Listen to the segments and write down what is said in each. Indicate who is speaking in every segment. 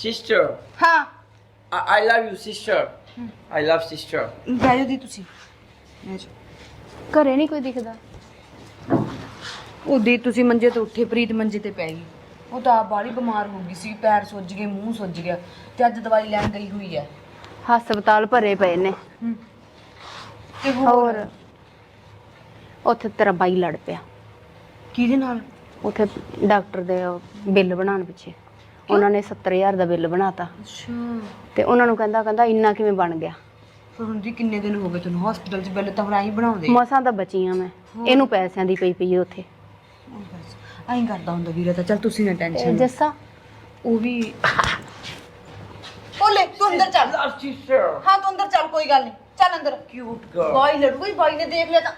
Speaker 1: sister.
Speaker 2: ਹਾਂ
Speaker 1: I love you, sister. I love sister.
Speaker 2: ਬਹਿ ਜਾਓ ਦੀ ਤੁਸੀਂ ਬਹਿ ਜਾਓ।
Speaker 3: ਘਰੇ ਨਹੀਂ ਕੋਈ ਦਿਖਦਾ।
Speaker 2: ਉਹਦੀ ਤੁਸੀਂ ਮੰਜੇ ਤੋਂ ਉੱਠੇ ਪ੍ਰੀਤ ਮੰਜੇ ਤੇ ਪੈ ਗਈ। ਉਹ ਤਾਂ ਆਪ ਬਾਹਲੀ ਬਿਮਾਰ ਹੋ ਗਈ ਸੀ, ਪੈਰ ਸੁੱਜ ਗਏ, ਮੂੰਹ ਸੁੱਜ ਗਿਆ ਤੇ ਅੱਜ ਦਵਾਈ ਲੈਣ ਗਈ ਹੋਈ ਹੈ।
Speaker 3: ਹਸਪਤਾਲ ਭਰੇ ਪਏ ਨੇ।
Speaker 2: ਤੇ
Speaker 3: ਹੋਰ ਉੱਥੇ ਤੇਰਾ ਬਾਈ ਲੜ ਪਿਆ।
Speaker 2: ਕਿਹਦੇ ਨਾਲ?
Speaker 3: ਉੱਥੇ ਡਾਕਟਰ ਦੇ ਬਿੱਲ ਬਣਾਉਣ ਪਿੱਛੇ ਉਹਨਾਂ ਨੇ 70,000 ਦਾ ਬਿੱਲ ਬਣਾਤਾ
Speaker 2: ਅੱਛਾ
Speaker 3: ਤੇ ਉਹਨਾਂ ਨੂੰ ਕਹਿੰਦਾ ਇੰਨਾ ਕਿਵੇਂ ਬਣ ਗਿਆ।
Speaker 2: ਪਰ ਹੁਣ ਦੀ ਕਿੰਨੇ ਦਿਨ ਹੋ ਗਏ ਤੈਨੂੰ ਹਸਪੀਟਲ 'ਚ? ਬਿੱਲ ਤਾਂ ਹੁਣ ਆਈ ਬਣਾਉਂਦੇ।
Speaker 3: ਮਸਾਂ ਤਾਂ ਬਚੀਆਂ ਮੈਂ, ਇਹਨੂੰ ਪੈਸਿਆਂ ਦੀ ਪਈ ਉੱਥੇ।
Speaker 2: ਐਂ ਕਰਦਾ ਹੁੰਦਾ ਵੀਰੇ ਤਾਂ। ਚੱਲ ਤੁਸੀਂ ਨਾ ਟੈਨਸ਼ਨ।
Speaker 3: ਜੱਸਾ
Speaker 2: ਉਹ ਵੀ ਓਲੇ ਤੂੰ ਅੰਦਰ ਚੱਲ।
Speaker 1: Love sister.
Speaker 2: ਹਾਂ ਤੂੰ ਅੰਦਰ ਚੱਲ, ਕੋਈ ਗੱਲ ਨਹੀਂ, ਚੱਲ ਅੰਦਰ।
Speaker 1: Cute girl.
Speaker 2: ਬਾਈ ਲੜੂ ਕੋਈ, ਬਾਈ ਨੇ ਦੇਖ ਲਿਆ ਤਾਂ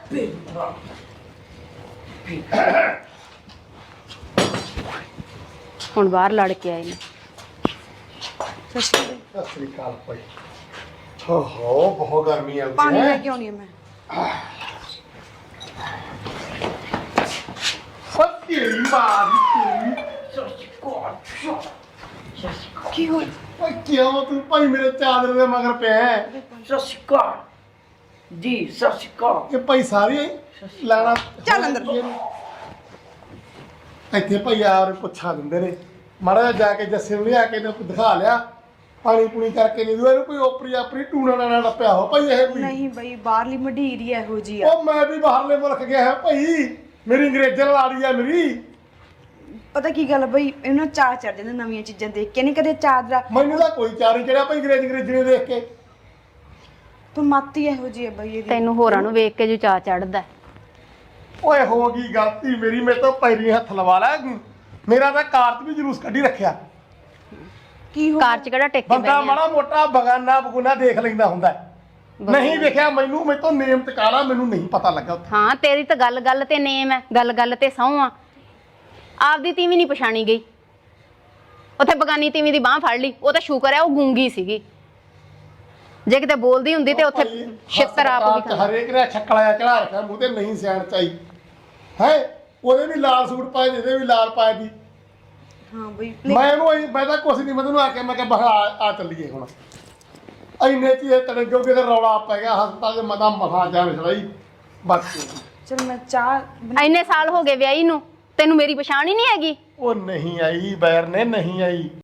Speaker 3: ਹੁਣ ਬਾਹਰ ਲੜ ਕੇ ਆਏ ਨੇ।
Speaker 2: ਸੱਚੀ
Speaker 4: ਸਤਿ ਸ੍ਰੀ ਅਕਾਲ ਭਾਈ। ਹੋ ਬਹੁਤ ਗਰਮੀ ਆ
Speaker 2: ਪਾਣੀ ਲੈ ਕੇ ਆਉਣੀ ਹੈ ਮੈਂ।
Speaker 4: ਸੱਤੀ ਮਾਰੀ
Speaker 2: ਕੀ ਹੋਇਆ?
Speaker 4: ਓਏ ਕਿਉਂ ਤੂੰ ਭਾਈ ਮੇਰੇ ਚਾਦਰ ਦੇ ਮਗਰ ਪਿਆ ਹੈ?
Speaker 1: Sasika. Di, Sasika.
Speaker 4: ਇਹ ਭਾਈ ਸਾਰੇ ਲਾਣਾ
Speaker 2: ਚੱਲ ਅੰਦਰ।
Speaker 4: ਇੱਥੇ ਭਾਈ ਆਰ ਪੁੱਛਾ ਦਿੰਦੇ ਨੇ, ਮਾੜਾ ਜਿਹਾ ਜਾ ਕੇ ਜੱਸੇ ਨੂੰ ਲਿਆ ਕੇ ਇਹਨੂੰ ਦਿਖਾ ਲਿਆ, ਪਾਣੀ ਪੂਣੀ ਕਰਕੇ ਨਹੀਂ ਦੂ ਇਹਨੂੰ ਕੋਈ ਓਪਰੀ ਆਪਰੀ ਟੂਣਾ ਨਾ ਟੱਪਿਆ ਹੋ ਭਾਈ ਇਹ ਵੀ।
Speaker 2: ਨਹੀਂ ਬਈ ਬਾਹਰਲੀ ਮਢੀਰ ਹੀ ਇਹੋ ਜੀ ਆ।
Speaker 4: ਉਹ ਮੈਂ ਵੀ ਬਾਹਰਲੇ ਮੁਲਕ ਗਿਆ ਹੈ ਭਾਈ, ਮੇਰੀ ਅੰਗਰੇਜ਼ਾਂ ਨਾਲ ਆੜੀ ਆ ਮੇਰੀ।
Speaker 2: ਪਤਾ ਕੀ ਗੱਲ ਬਈ, ਇਹਨਾਂ ਚਾਹ ਚੜ ਜਾਂਦਾ ਨਵੀਆਂ ਚੀਜ਼ਾਂ ਦੇਖ ਕੇ। ਨਹੀਂ ਕਦੇ ਚਾਦਰਾ
Speaker 4: ਮੈਨੂੰ ਤਾਂ ਕੋਈ ਚਾਰ ਨਹੀਂ ਚੜਿਆ ਭਾਈ ਅੰਗਰੇਜ਼ੀ ਨੂੰ ਦੇਖ ਕੇ।
Speaker 2: ਤੂੰ ਮੱਤ ਹੀ ਇਹੋ ਜੀ ਹੈ ਬਈ ਇਹਦੀ।
Speaker 3: ਤੈਨੂੰ ਹੋਰਾਂ ਨੂੰ ਵੇਖ ਕੇ ਜੋ ਚਾਅ ਚੜਦਾ।
Speaker 4: ਓਏ ਹੋ ਗਈ ਗਲਤੀ ਮੇਰੀ, ਮੇਰੇ ਤੋਂ ਪੈਰੀ ਹੱਥ ਲਵਾ ਲੈ। ਮੇਰਾ ਤਾਂ ਕਾਰਤ ਵੀ ਜਲੂਸ ਕੱਢੀ ਰੱਖਿਆ।
Speaker 2: ਕੀ ਹੋ
Speaker 3: ਕਾਰ ਚ ਕਿਹੜਾ ਟਿਕ ਕੇ
Speaker 4: ਬੰਦਾ
Speaker 3: ਬਹਿ ਗਿਆ।
Speaker 4: ਮਾੜਾ ਮੋਟਾ ਬਗਾਨਾ ਬਗੁਨਾ ਦੇਖ ਲੈਂਦਾ ਹੁੰਦਾ ਹੈ। ਨਹੀਂ ਵੇਖਿਆ ਮੈਨੂੰ, ਮੇਰੇ ਤੋਂ ਨੇਮ ਟਿਕਾਣਾ ਮੈਨੂੰ ਨਹੀਂ ਪਤਾ ਲੱਗਾ ਉੱਥੇ।
Speaker 3: ਹਾਂ ਤੇਰੀ ਤਾਂ ਗੱਲ ਤੇ ਨੇਮ ਹੈ, ਗੱਲ ਤੇ ਸਹੁੰ ਆ। ਆਪਦੀ ਤੀਵੀਂ ਨਹੀਂ ਪਛਾਣੀ ਗਈ, ਉੱਥੇ ਬਗਾਨੀ ਤੀਵੀਂ ਦੀ ਬਾਹ ਫੜ ਲਈ। ਉਹ ਤਾਂ ਸ਼ੁਕਰ ਹੈ ਉਹ ਗੂੰਗੀ ਸੀਗੀ, ਜੇ ਕਿਤੇ ਬੋਲਦੀ ਹੁੰਦੀ ਤੇ ਉੱਥੇ ਛਿੱਤਰ ਆਪ ਵੀ ਖਾਂਦਾ।
Speaker 4: ਹਰੇਕ ਨੇ ਛੱਕਲਾ ਚੜਾ ਰੱਖਿਆ ਮੂੰਹ ਤੇ, ਨਹੀਂ ਸਿਆਣ ਚਾਈ ਹੈ। ਉਹਦੇ ਵੀ ਲਾਲ ਸੂਟ ਪਾਏ, ਇਹਦੇ ਵੀ ਲਾਲ ਪਾਏ ਦੀ।
Speaker 2: ਹਾਂ ਬਈ
Speaker 4: ਮੈਂ ਤਾਂ ਕੁਛ ਨਹੀਂ, ਮੈਂ ਤੈਨੂੰ ਆ ਕੇ ਮੈਂ ਕਿਹਾ ਬਹਾ ਆ ਚੱਲੀਏ ਹੁਣ। ਇੰਨੇ ਚ ਇਹ ਤੜੰਗੋ ਕੇ ਰੌਲਾ ਪੈ ਗਿਆ ਹਸਪਤਾਲ ਦੇ, ਮਤਾ ਮਹਾ ਜਾਣ ਛੜਾਈ ਬਸ।
Speaker 2: ਚਲ ਮੈਂ ਚਾਹ
Speaker 3: ਇੰਨੇ ਸਾਲ ਹੋ ਗਏ ਵਿਆਹੀ ਨੂੰ, ਤੈਨੂੰ ਮੇਰੀ ਪਛਾਣ ਹੀ ਨਹੀਂ ਹੈਗੀ।
Speaker 4: ਉਹ ਨਹੀਂ ਆਈ ਬੈਰ ਨੇ, ਨਹੀਂ ਆਈ।